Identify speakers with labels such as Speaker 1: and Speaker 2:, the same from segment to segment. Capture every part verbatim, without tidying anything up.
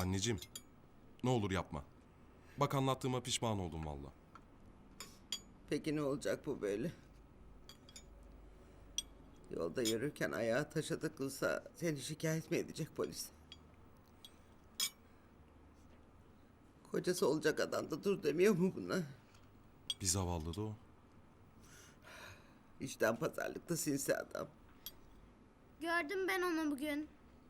Speaker 1: Anneciğim, ne olur yapma. Bak anlattığıma pişman oldum valla.
Speaker 2: Peki ne olacak bu böyle? Yolda yürürken ayağı taşa takılsa seni şikayet mi edecek polis? Kocası olacak adam da dur demiyor mu buna?
Speaker 1: Bir zavallı da o.
Speaker 2: İşten pazarlıkta sinsi adam.
Speaker 3: Gördüm ben onu bugün.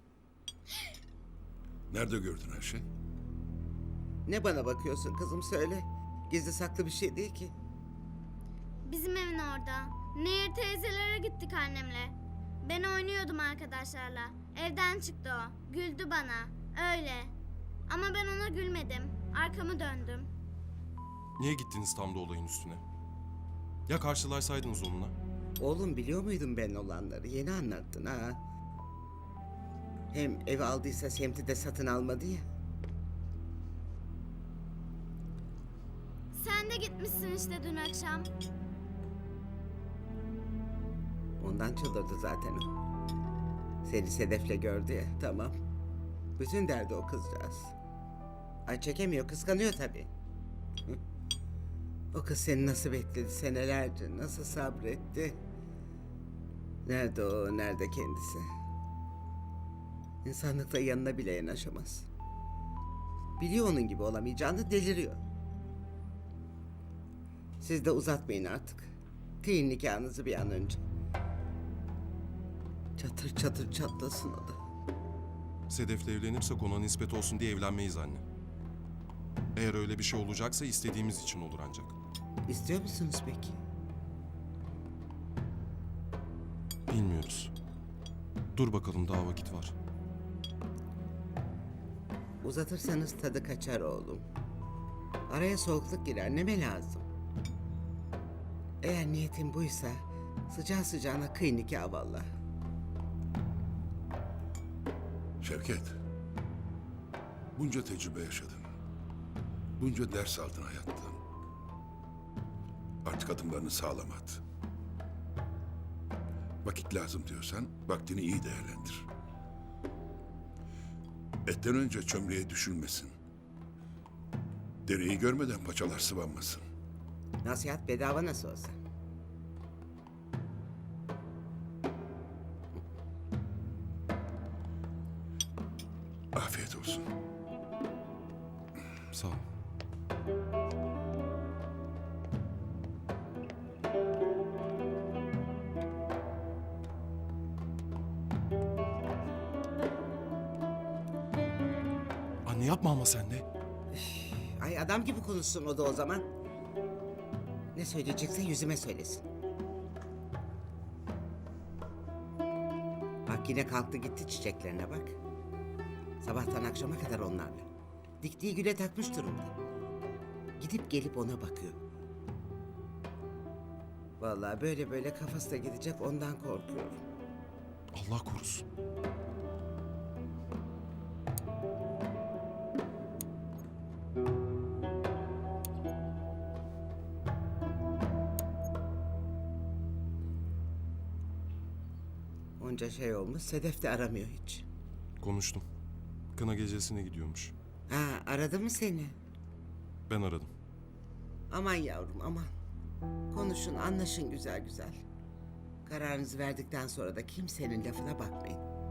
Speaker 4: Nerede gördün her şey?
Speaker 2: Ne bana bakıyorsun kızım söyle. Gizli saklı bir şey değil ki.
Speaker 3: Bizim evin orada. Nehir teyzelere gittik annemle. Ben oynuyordum arkadaşlarla. Evden çıktı o. Güldü bana. Öyle. Ama ben ona gülmedim. Arkamı döndüm.
Speaker 1: Niye gittiniz tam da olayın üstüne? Ya karşılaşsaydınız onunla?
Speaker 2: Oğlum biliyor muydun ben olanları? Yeni anlattın ha. Hem ev aldıysa semti de satın almadı ya.
Speaker 3: Sen de gitmişsin işte dün akşam.
Speaker 2: Ondan çıldırdı zaten o. Seni Sedef'le gördü ya, tamam. Bütün derdi o kızcağız. Ay çekemiyor, kıskanıyor tabii. Hı. O kız seni nasıl bekledi senelerce, nasıl sabretti. Nerede o, nerede kendisi? İnsanlıkla yanına bile yanaşamaz. Biliyor onun gibi olamayacağını, deliriyor. Siz de uzatmayın artık. Kıyın nikahınızı bir an önce. Çatır çatır çatlasın o da.
Speaker 1: Sedef'le evlenirsek ona nispet olsun diye evlenmeyiz anne. Eğer öyle bir şey olacaksa istediğimiz için olur ancak.
Speaker 2: İstiyor musunuz peki?
Speaker 1: Bilmiyoruz. Dur bakalım daha vakit var.
Speaker 2: Uzatırsanız tadı kaçar oğlum. Araya soğukluk girer, neme lazım. Eğer niyetin buysa sıcağı sıcağına kıy nikah vallahi.
Speaker 4: Şevket. Bunca tecrübe yaşadın. Bunca ders aldın hayattan. Artık adımlarını sağlam at. Vakit lazım diyorsan vaktini iyi değerlendir. Etten önce çömleğe düşülmesin. Dereyi görmeden paçalar sıvanmasın.
Speaker 2: Nasihat bedava nasıl olsa.
Speaker 4: Afiyet olsun.
Speaker 1: Sağ ol. Anne yapma ama sen de.
Speaker 2: Ay adam gibi konuşsun o da o zaman. Ne söyleyecekse yüzüme söylesin. Bak yine kalktı gitti çiçeklerine bak. Sabahtan akşama kadar onlarla. Diktiği güle takmış durumda. Gidip gelip ona bakıyor. Vallahi böyle böyle kafası da gidecek ondan korkuyorum.
Speaker 1: Allah korusun.
Speaker 2: Onca şey olmuş Sedef de aramıyor hiç.
Speaker 1: Konuştum. Kına gecesine gidiyormuş.
Speaker 2: Ha aradı mı seni?
Speaker 1: Ben aradım.
Speaker 2: Aman yavrum aman. Konuşun anlaşın güzel güzel. Kararınızı verdikten sonra da kimsenin lafına bakmayın.